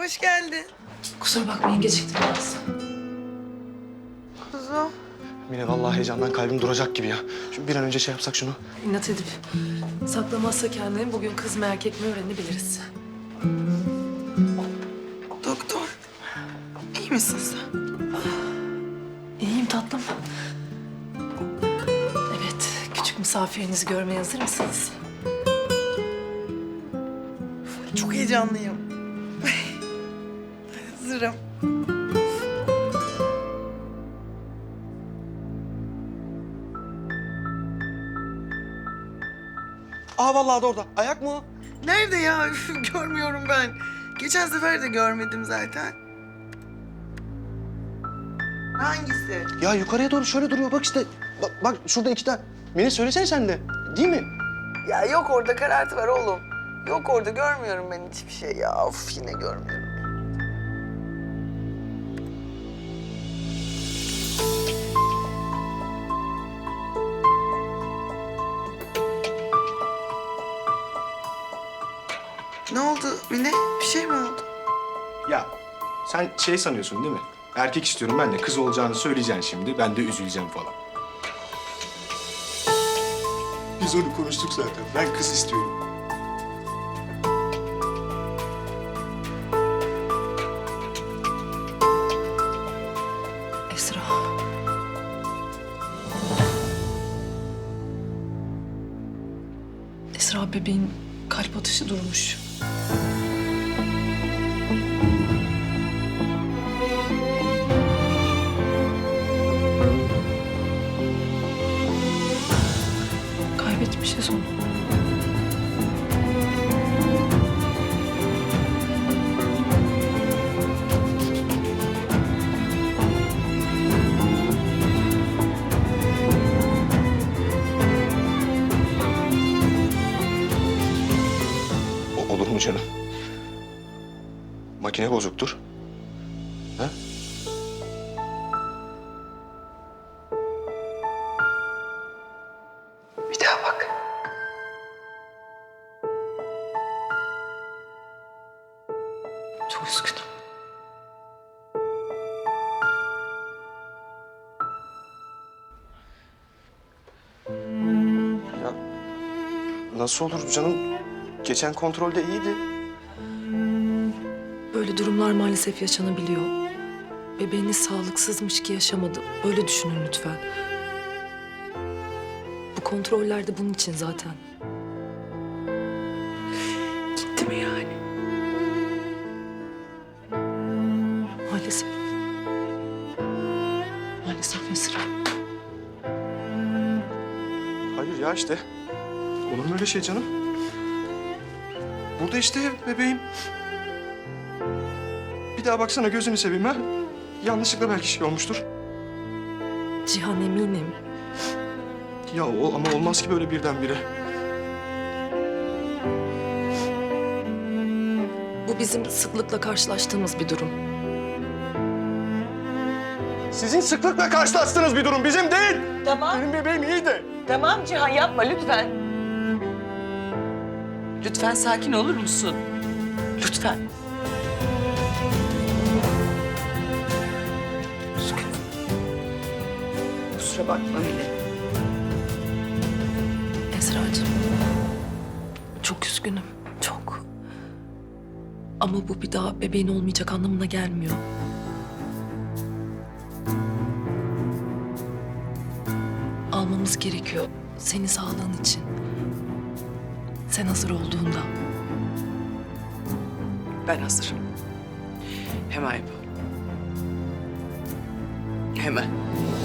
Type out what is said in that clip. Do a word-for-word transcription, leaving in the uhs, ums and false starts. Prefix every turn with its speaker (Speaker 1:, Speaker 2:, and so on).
Speaker 1: hoş geldin.
Speaker 2: Kusura bakmayın geciktim biraz.
Speaker 1: Kuzum.
Speaker 3: Mine vallahi heyecandan kalbim duracak gibi ya. Şu bir an önce şey yapsak şunu.
Speaker 2: İnat edip saklamazsa kendini bugün kız mı erkek mi öğrenebiliriz.
Speaker 1: Doktor. İyi misin sen?
Speaker 2: İyiyim tatlım. Evet, küçük misafirinizi görmeye hazır mısınız?
Speaker 1: Çok heyecanlıyım. Hazırım.
Speaker 3: Aa vallahi de orada. Ayak mı o?
Speaker 1: Nerede ya? Üf, görmüyorum ben. Geçen sefer de görmedim zaten. Hangisi?
Speaker 3: Ya yukarıya doğru şöyle duruyor. Bak işte. Bak, bak şurada iki tane. Mine söylesene sen de. Değil mi?
Speaker 1: Ya yok orada karartı var oğlum. Yok orada görmüyorum ben hiçbir şey ya. Of yine görmüyorum. Ne oldu Mine? Bir şey mi oldu?
Speaker 3: Ya sen şey sanıyorsun değil mi? Erkek istiyorum ben de. Kız olacağını söyleyeceksin şimdi. Ben de üzüleceğim falan. Biz onu konuştuk zaten. Ben kız istiyorum.
Speaker 2: Esra. Esra bebeğin kalp atışı durmuş. Kaybetmişiz onu.
Speaker 3: O, olur mu canım? Makine bozuktur. Ha?
Speaker 1: Bir daha bak.
Speaker 2: Çok üzgünüm.
Speaker 3: Ya nasıl olur canım? Geçen kontrolde iyiydi.
Speaker 2: Böyle durumlar maalesef yaşanabiliyor. Bebeğiniz sağlıksızmış ki yaşamadı. Böyle düşünün lütfen. Bu kontroller de bunun için zaten.
Speaker 1: Gitti mi yani?
Speaker 2: Maalesef. Maalesef Esra.
Speaker 3: Hayır ya işte. Olur mu öyle şey canım? Burada işte bebeğim. Bir daha baksana gözünü seveyim ha. Yanlışlıkla belki şey olmuştur.
Speaker 2: Cihan eminim.
Speaker 3: Ya o, ama olmaz ki böyle birdenbire.
Speaker 2: Bu bizim sıklıkla karşılaştığımız bir durum.
Speaker 3: Sizin sıklıkla karşılaştığınız bir durum, bizim değil.
Speaker 4: Tamam,
Speaker 3: Benim bebeğim iyiydi.
Speaker 4: tamam Cihan yapma lütfen. Lütfen sakin olur musun? Lütfen. Kusura bakma Mine.
Speaker 2: Esra'cığım. Çok üzgünüm. Çok. Ama bu bir daha bebeğin olmayacak anlamına gelmiyor. Almamız gerekiyor. Senin sağlığın için. Sen hazır olduğunda.
Speaker 4: Ben hazırım. Hemen yapalım. Hemen.